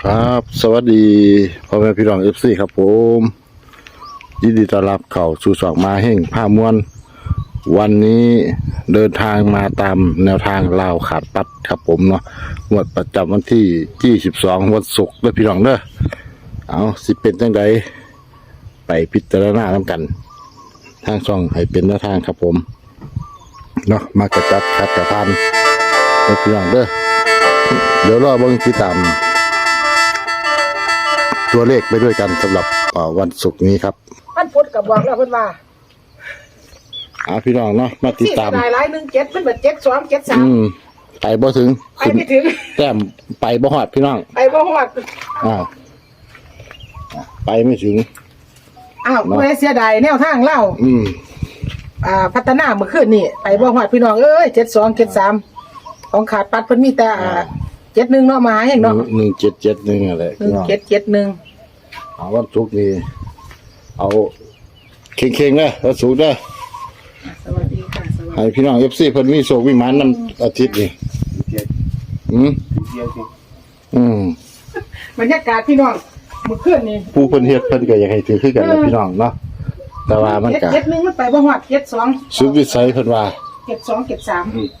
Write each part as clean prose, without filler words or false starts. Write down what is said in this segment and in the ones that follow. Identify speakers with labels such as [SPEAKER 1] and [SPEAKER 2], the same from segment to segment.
[SPEAKER 1] ครับสวัสดีพ่อแม่พี่น้องFCครับผมยินดีต้อนรับเข้าสู่ช่องมาแห่งผ้ามวลวันนี้เดินทางมาตามแนวทางลาวขาดปัดครับผมเนาะงวดประจำวันที่22วันศุกร์เด้อพี่น้องเด้อเอาสิเป็นจังไดไปพิจารณานำกันทางช่องให้เป็นแนวทางครับผมเนาะมากระจัดคัดกระพันเด้อพี่น้องเด้อเดี๋ยวรอเบิ่งติดตามตัวเลขไปด้วยกันสำหรับวันศุกร์นี้ครับ
[SPEAKER 2] มันพุทธกับบอกแล้วเพิ่นว่า
[SPEAKER 1] พี่น้องเนาะมาติดตาม
[SPEAKER 2] หลาย17เป็นแบบ72 73
[SPEAKER 1] ไปบ่ถึง
[SPEAKER 2] ไปไม่ถึง
[SPEAKER 1] แต้มไปบ่ฮอดพี่น้อง
[SPEAKER 2] ไปบ่ฮอด
[SPEAKER 1] ไปไม่ถึง
[SPEAKER 2] บ่ได้เสียดายแนวทางเล่าพัฒนาเมื่อคืนนี่ไปบ่ฮอดพี่น้องเอ้ย72 73ของขาดปัดเพิ่นมีแต่71เนาะมาแห่งเนาะ
[SPEAKER 1] 1771อะไร
[SPEAKER 2] 1771
[SPEAKER 1] วันศุกร์นี้เอาเข่งๆเด้อวันศุกร์เด้อ
[SPEAKER 2] สวัสดีค่ะสวัสดี
[SPEAKER 1] ให้พี่น้อง FC เพิ่นมีโชคมีหมานนำอาทิตย์นี้
[SPEAKER 2] บรรยากาศพี่น้องเมื่อคืนนี่
[SPEAKER 1] ผู้เพิ่นเฮ็ดเพิ่นก็อยากให้ถือคือกันนะพี่น้องเนาะแต่ว่ามันก็
[SPEAKER 2] 71มันไปบ่ฮอด72
[SPEAKER 1] สุดวิสัยเพิ่นว่า
[SPEAKER 2] 72 73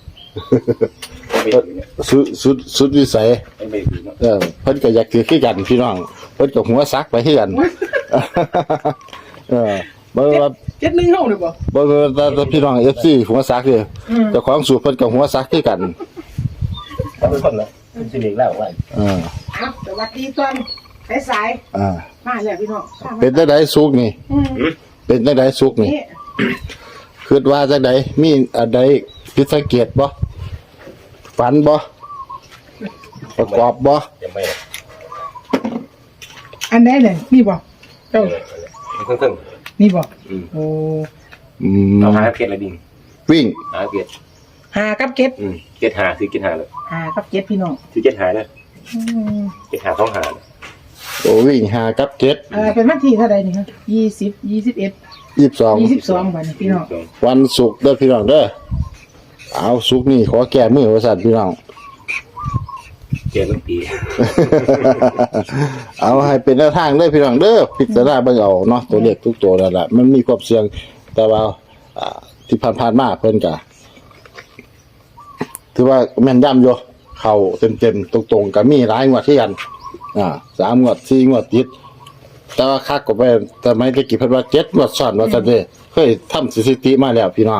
[SPEAKER 1] สุดวิสัยเพิ่นก็อยากถือคือกันพี่น้องเพิ่นก็หัวซักไปคือกันบ่ว่า
[SPEAKER 2] 71เฮาเลยบ่
[SPEAKER 1] แต่พี่น้อง FC หัวซักเด้อเจ้าของสูตรเพิ่นก็หัวซักคือกัน
[SPEAKER 3] เป็นคนละเป็นสิริแล้วว่า
[SPEAKER 2] สวัสดีตอนสายมาแล้วพี่น้อง
[SPEAKER 1] เป็นจังได๋สุกนี่เป็นจังได๋สุกนี่คิดว่าจังได๋มีอันใดผิดสังเกตบ่ฝันบ่ประกอบบ่
[SPEAKER 2] อันไหนเลยนี่บ่เจ้า
[SPEAKER 3] ครึ่ง
[SPEAKER 2] นี่บ่โอ้
[SPEAKER 3] เราหาเพชรอะไรดิ่ง
[SPEAKER 1] วิ่ง
[SPEAKER 3] หาเพชร
[SPEAKER 2] หากับเก็ด
[SPEAKER 3] เก็ดหาซื้อเก็ดหาเลย
[SPEAKER 2] หากับเก็ดพี่น้อง
[SPEAKER 3] ซื้อเก็ดหาเลยเก็ดหาต้องหา
[SPEAKER 1] โอ้วิ่งหากับเก็ด
[SPEAKER 2] เป็นวันที่เท่าใดนี่ฮะ20 21 22วันพี่น้อง
[SPEAKER 1] วันศุกร์เด้อพี่น้องเด้อเอาศุกร์นี่ขอแก้มือว่าซั่นพี่น้อง
[SPEAKER 3] แก้มื้อปี
[SPEAKER 1] เอาให้เป็นแนวทางเด้อพี่น้องเด้อพิจารณาเบิ่งเอาเนาะตัวเลขทุกตัวนั่นล่ะมันมีความเสี่ยงแต่ว่าที่ผ่านๆมาเพิ่นก็ถือว่าแม่นยำอยู่เข้าเต็มๆตรงๆก็มีหลายงวดคือกัน3งวด4งวดติดแต่ว่าคักก็ไปแต่ไม่ได้กี่เพิ่นว่า7งวดซ้อนว่าซั่นเด้เคยทำสถิติมาแล้วพี่น้อง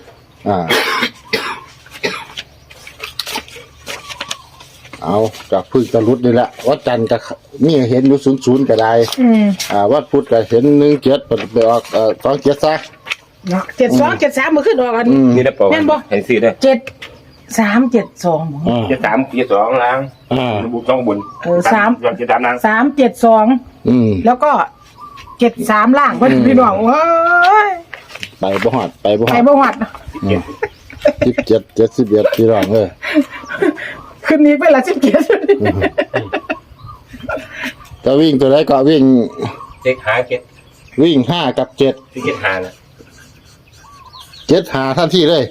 [SPEAKER 1] เอาจากพึ่งตะลุดนี่แหละวัดจันทร์ก็มีเห็นอยู่00ก็ได้วัดพุธก็เห็น17ไปออก27ซะ
[SPEAKER 2] เนาะ72 73มื้อขึ้นออกอัน
[SPEAKER 3] นี่ได้ป่าวเห็นสิเด้อ
[SPEAKER 2] 73 72บ่
[SPEAKER 3] 73 72ล้างบุกต้องบน73ล้าง
[SPEAKER 2] 372แล้วก็73ล่างเพิ่นพี่น้องโอ้ย
[SPEAKER 1] ไปบ่ฮอด17 71พี่น้อง
[SPEAKER 2] คืนนี้เป็นละ17
[SPEAKER 1] จะวิ่งตัวไหนก็วิ่งวิ่ง5กับ7
[SPEAKER 3] ที่7หาน่ะ
[SPEAKER 1] 7หาทันทีเลย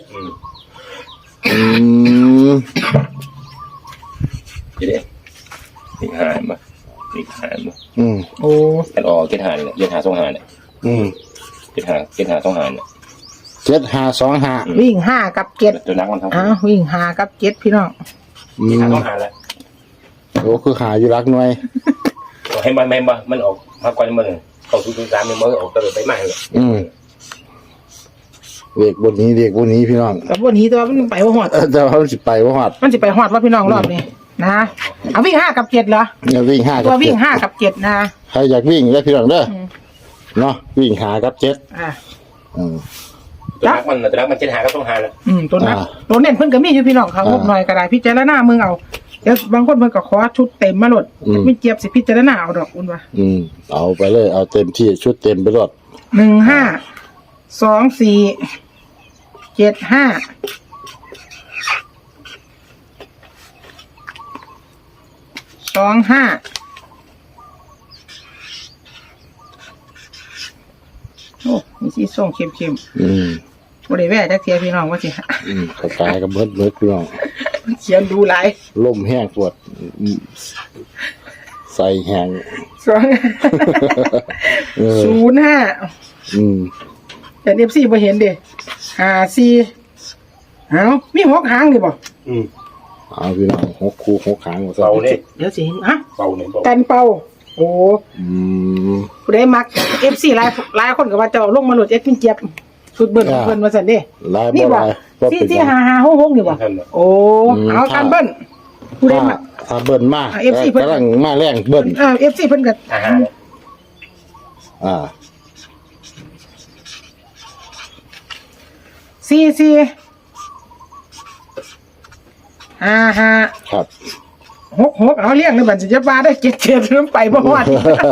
[SPEAKER 3] เด้อีกหามา
[SPEAKER 2] โอ้
[SPEAKER 3] กันออก7หาเนี่ย7หา2หาเนี่ย7หา2หาเนี่ย
[SPEAKER 1] 7หา2หา
[SPEAKER 2] วิ่ง5กับ7
[SPEAKER 3] ตัวนักมันทั้ง
[SPEAKER 2] วิ่ง5กับ7พี่น้อง
[SPEAKER 3] หา2หาแล้ว
[SPEAKER 1] โอ้คือหาอยู่รักหน่วย
[SPEAKER 3] ให้มันออกมากกว่ามื้อเข้าสู่3มันบ่ออกตลอดไปมาเลย
[SPEAKER 1] เด็กบนนี้พี่น้อง
[SPEAKER 2] แต่บนนี้ตัวมันไปบ่ฮอด
[SPEAKER 1] แต่ว่ามันสิไปบ่ฮอด
[SPEAKER 2] ว่าพี่น้องรอบนี้นะเอาวิ่ง5กับ7เหรอ
[SPEAKER 1] วิ่ง5กับ7
[SPEAKER 2] ตัววิ่ง5กับ7นะ
[SPEAKER 1] ใครอยากวิ่งแล้วพี่น้องเด้อเนาะวิ่ง5กับ7
[SPEAKER 3] ตัวนักมัน7หาก็ต้องหาแล้ว
[SPEAKER 2] ตัวเน้นเพิ่นก็มีอยู่พี่น้องเขางบหน่อยก็ได้พิจารณามึงเอาเดี๋ยวบางคนเพิ่นก็ขอชุดเต็มมาโลดไม่เจี๊ยบสิพิจารณาเอาดอกอุ่นว่า
[SPEAKER 1] เอาไปเลยเอาเต็มที่ชุดเต็มไปโลด
[SPEAKER 2] โอ้มีสีส้มเข้มบ่ได้แว่จักเที่ยพี่น้องว่าสิ
[SPEAKER 1] กระจายกับเบิดพี่น้อง
[SPEAKER 2] เขียนดูหลาย
[SPEAKER 1] ลมแห้งปวดใส่แหง
[SPEAKER 2] สอง
[SPEAKER 1] เออ
[SPEAKER 2] 05
[SPEAKER 1] อืม
[SPEAKER 2] แต่ FC บ่เห็นเด้54เอามี6หางนี่บ่
[SPEAKER 1] เอาพี่น้อง6คู่6หางว่าซั่
[SPEAKER 3] เบาน เนี่ย
[SPEAKER 2] เดี๋ยวสิเห็นอ่ะ
[SPEAKER 3] เบาเนี่ยเบา
[SPEAKER 2] กันเป่าโอ้
[SPEAKER 1] อืม
[SPEAKER 2] ผู้ใดมัก FC หลายคนก็ว่าจะเอาลงมาโหลดเอ็ดมินเจี๊ยบสุดเบิ่น
[SPEAKER 1] อ่า
[SPEAKER 2] เบิ่นว่าซั่นเด้
[SPEAKER 1] ลาย
[SPEAKER 2] นี่
[SPEAKER 1] บ่
[SPEAKER 2] บ่
[SPEAKER 1] ลายบ่เป็นหยัง
[SPEAKER 2] 45566นี่บ่โอ้เอากันเบิ่นผู้ใดมัก
[SPEAKER 1] ถ้าเบิ้ลมา
[SPEAKER 2] FC เพิ่น
[SPEAKER 1] กำลังมาแรงเบิ้ล
[SPEAKER 2] FC เพิ่นก็
[SPEAKER 1] อ่า
[SPEAKER 2] 4455
[SPEAKER 1] ครับ
[SPEAKER 2] 66เอาเลี้ยงในบัญชีจะมาได้77นำไปบ่ฮอด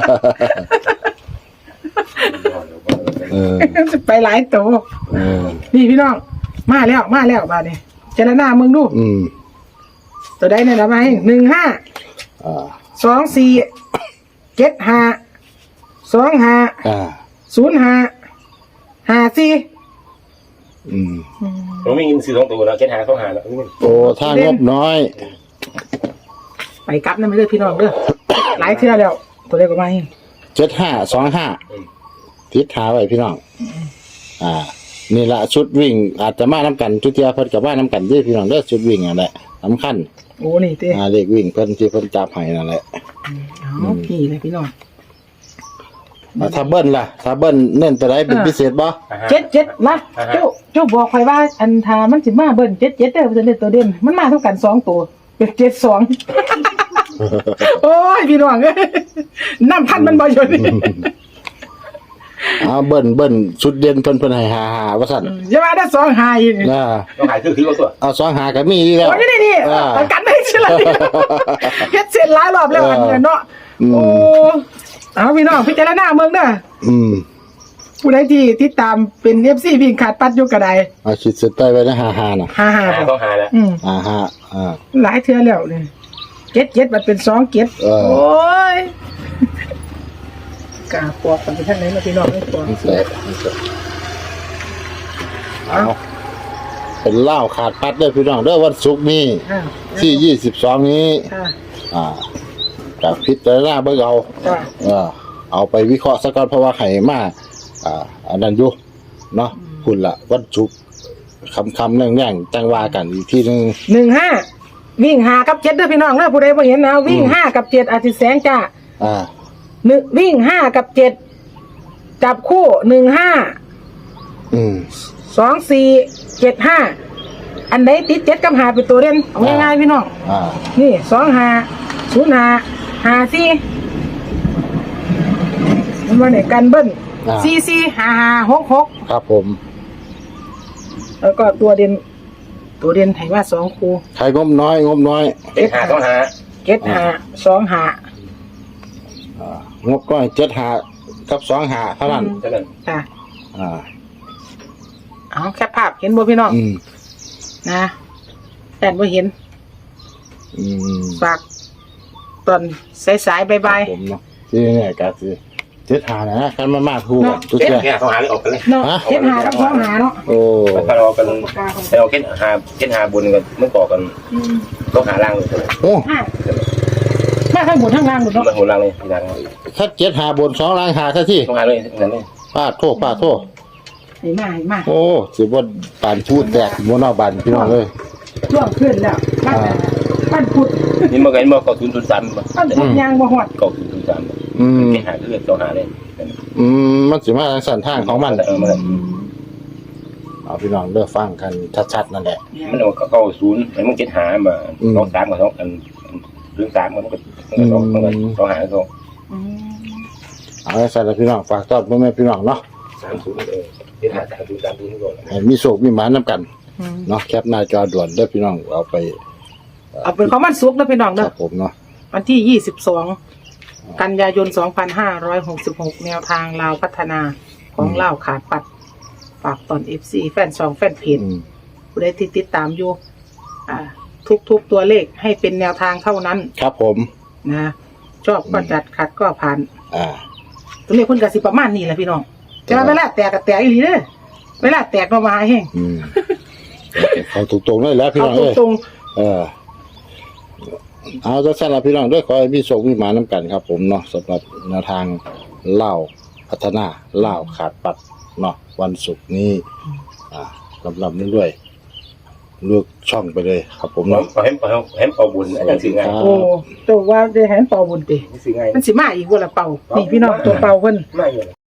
[SPEAKER 1] เออ
[SPEAKER 2] ไปหลายโต
[SPEAKER 1] เออ
[SPEAKER 2] นี่พี่น้องมาแล้วบาดนี้เจรณามึงดู
[SPEAKER 1] อืม
[SPEAKER 2] ตัวใดเนี่ยละมาให้15
[SPEAKER 1] อ่า
[SPEAKER 2] 24 75 25
[SPEAKER 1] อ่า
[SPEAKER 2] 05 54
[SPEAKER 1] อืม
[SPEAKER 3] เราไม่ยินซื้อ2ตัวแล้วเก็ตหาเขาหาแล้ว
[SPEAKER 1] โอ้ถ้างบน้อย
[SPEAKER 2] ไปกลับนั่นไม่เลยพี่น้องเด้อหลายเทื่อแล้ว ตัวใดก็มาให้
[SPEAKER 1] 7525ทิศหาไว้พี่น้อง อ่า นี่ละชุดวิ่ง อาจจะมาน้ำกันทุกเทียเพิ่นกับว่าน้ำกันเด้อพี่น้องเด้อชุดวิ่งนั่นแหละสำคัญ
[SPEAKER 2] โอ้นี่เต้
[SPEAKER 1] เลขวิ่งเพิ่นที่เพิ่นจับให้นั่นแหละ
[SPEAKER 2] เอาพี่เลยพี่น้อง
[SPEAKER 1] ถ้าเบิ้ลล่ะถ้าเบิ้ลเน้นตัวใดเป็นพิเศษบ่
[SPEAKER 2] 77นะเจ้าบอกข่อยว่าอันทามันสิมาเบิ่น77เด้อเพิ่นเล่นตัวเด่นมันมาเท่ากัน2ตัวเป็น72 โอ้ยพี่น้องเอ้ยน้ำพันมันบ่อยู่นี่
[SPEAKER 1] เบิ้ลชุดเด่นเพิ่นให้หาว่าซั่น
[SPEAKER 2] อย่ามาได้2หาอีก
[SPEAKER 1] นะ
[SPEAKER 3] ต้องหายคือเอาตัว
[SPEAKER 1] เอา2หาก็มีอยู่แล้ว
[SPEAKER 2] โอ้ยนี่ประกันได้สิล่ะเฮ็ดเสร็จหลายรอบแล้วอันเนี้ยเนาะโอ้เอาพี่น้องพิจารณาเมืองเด้อ
[SPEAKER 1] อืม
[SPEAKER 2] ผู้ใดที่ติดตามเป็น FC วิ่งขาดปัดอยู่ก็ได้
[SPEAKER 1] เอาขีดเส้นใต้ไว้นะหาน่ะ
[SPEAKER 2] 55
[SPEAKER 3] หา
[SPEAKER 2] บ่
[SPEAKER 3] ต้องหาแล้ว
[SPEAKER 1] อ่า
[SPEAKER 2] หลายเทื่อแล้วนี่77มันเป็น2เก็ด
[SPEAKER 1] เออ
[SPEAKER 2] โอ้ยกาปอกกันไปทางไหนมาพี่น้องไอ้ปอก
[SPEAKER 1] นี่แหละเอาเป็นเหล้าขาดปัดเด้อพี่น้องเด้อวันศุกร์นี้
[SPEAKER 2] อ่า
[SPEAKER 1] ที่22นี้
[SPEAKER 2] ค่ะ
[SPEAKER 1] กับพิจารณาเบิ่งเอา
[SPEAKER 2] จ้ะ
[SPEAKER 1] เอาไปวิเคราะห์ซะก่อนเพราะว่าไข่มาอันนั้นอยู่เนาะคุณละวันศุกร์คำแรงๆจังว่ากันอีกทีนึง
[SPEAKER 2] 15วิ่ง5กับ7เด้อพี่น้องเด้อผู้ใดบ่เห็นนะวิ่ง5กับ7อาทิตย์แสงจ้า วิ่ง5กับ7จับคู่15
[SPEAKER 1] อืม
[SPEAKER 2] 24 75อันไหนติด7กับ5เป็นตัวเด่นเอาง่ายๆพี่น้อง นี่25 05 54มันว่าเนี่ยกันเบิ้ล44 55 66
[SPEAKER 1] ครับผม
[SPEAKER 2] แล้วก็ตัวเด่นให้ว่า2คู่
[SPEAKER 1] ใครงบน้อย
[SPEAKER 3] เก็ตหาต้องหา
[SPEAKER 2] 75
[SPEAKER 1] งบก้อย7 กับ2 เท่านั้น
[SPEAKER 3] เท่านั้น
[SPEAKER 2] 25ค่ะ
[SPEAKER 1] อ่า
[SPEAKER 2] เอาแคปภาพเห็นบ่พี่น้อง
[SPEAKER 1] อืม
[SPEAKER 2] นะแต่บ่เห็น
[SPEAKER 1] อืม
[SPEAKER 2] ฝากตอนสายๆบ่าย
[SPEAKER 1] ผมเนาะที่นี่ก็สิ7 นะกันมาถูกทุก
[SPEAKER 3] เก็ต
[SPEAKER 1] อย่าง
[SPEAKER 3] หาต้องหาเลยออกกันเลย
[SPEAKER 2] ๆเนาะเฮ็ดหากับ2หาเนาะ
[SPEAKER 1] โอ้
[SPEAKER 3] ถ้าเราเป็นถ้าเราเก็ตหาบนกันมันก่อกันต้องหาล่างเลย
[SPEAKER 1] โอ้
[SPEAKER 2] มาทั้งบนทั้งล่างหมดเนาะ
[SPEAKER 3] มันหัวล่างเลยล่าง
[SPEAKER 1] ถ้า7 บน2 ล่างซะที่
[SPEAKER 3] ต้องหาเลยนั่นเลย
[SPEAKER 1] ป้าโทษ
[SPEAKER 2] ให้มา
[SPEAKER 1] โอ้สิบ่ปานพูดแตกบ่นอกบ้านพี่น้องเลย
[SPEAKER 2] ช่วงขึ้นแล้วปั้นพุด
[SPEAKER 3] นี่เมื่อไงเมื่อก่อ003
[SPEAKER 2] ปั้นพุดยางบ่ฮอด
[SPEAKER 3] ก่อ003
[SPEAKER 1] อืม
[SPEAKER 3] เก็ตหาคือต้องหาเลย
[SPEAKER 1] มันสิมาทางสันทางของมัน
[SPEAKER 3] มัน
[SPEAKER 1] เอาพี่น้องเลือกฟังกันชัดๆนั่นแหละ
[SPEAKER 3] มันเอาเข้า0มันเก็ตหามา23กับ2กัน3มันก็ต้องหาเขา
[SPEAKER 1] เอาให้สัตว์พี่น้องฝากต้อนพ่อแม่พี่น้องเนาะ
[SPEAKER 3] 30เก็ตหา30นี่ก่อน
[SPEAKER 1] ให้มีโชคมีหมานํกันเนาะแคปหน้าจอด่วนเด้อพี่น้องเอาไป
[SPEAKER 2] เอาเป็นของมันสุกนะพี่น้อง
[SPEAKER 1] ค
[SPEAKER 2] เด้อ
[SPEAKER 1] รับผมเนาะ
[SPEAKER 2] วันที่22กันยายน2566แนวทางลาวพัฒนาของลาวขาดปัดฝากตอน FC แฟน2แฟนเพจผู้ใดที่ติดตามอยู่ทุกตัวเลขให้เป็นแนวทางเท่านั้น
[SPEAKER 1] ครับผม
[SPEAKER 2] นะชอบก็จัดขัดก็ผ่าน
[SPEAKER 1] อ่า
[SPEAKER 2] ตัวเลขเพิ่นก็สิประมาณนี้แหละพี่น้องแต่ว่าเวลาแตกก็แตกอีหลีเด้อเวลาแตกก็มาแห้ง
[SPEAKER 1] เขาตรงๆเลยแล้วพี่
[SPEAKER 2] เขา
[SPEAKER 1] น้องเอ้ย
[SPEAKER 2] ตรง
[SPEAKER 1] เออเอาจะสั่นละพี่น้องด้วยขอให้มีโชคมีหมาน้ำกันครับผมเนาะสำหรับแนวทางเล่าพัฒนาเล่าขาดปัดเนาะวันศุกร์นี้ลำๆด้วยเลือกช่องไปเลยครับผม
[SPEAKER 3] ผม
[SPEAKER 1] เนาะ
[SPEAKER 3] เห็นเป่าบุญอาจารย์สิงห์ไง
[SPEAKER 2] โอ้ตัวว่าได้แหนเป่าบุญติ
[SPEAKER 3] สิงห์ไง
[SPEAKER 2] มันสิมาอีกบ่ล่ะเป่านี่พี่น้องตัวเป่าเพิ่น
[SPEAKER 3] ไม่เลย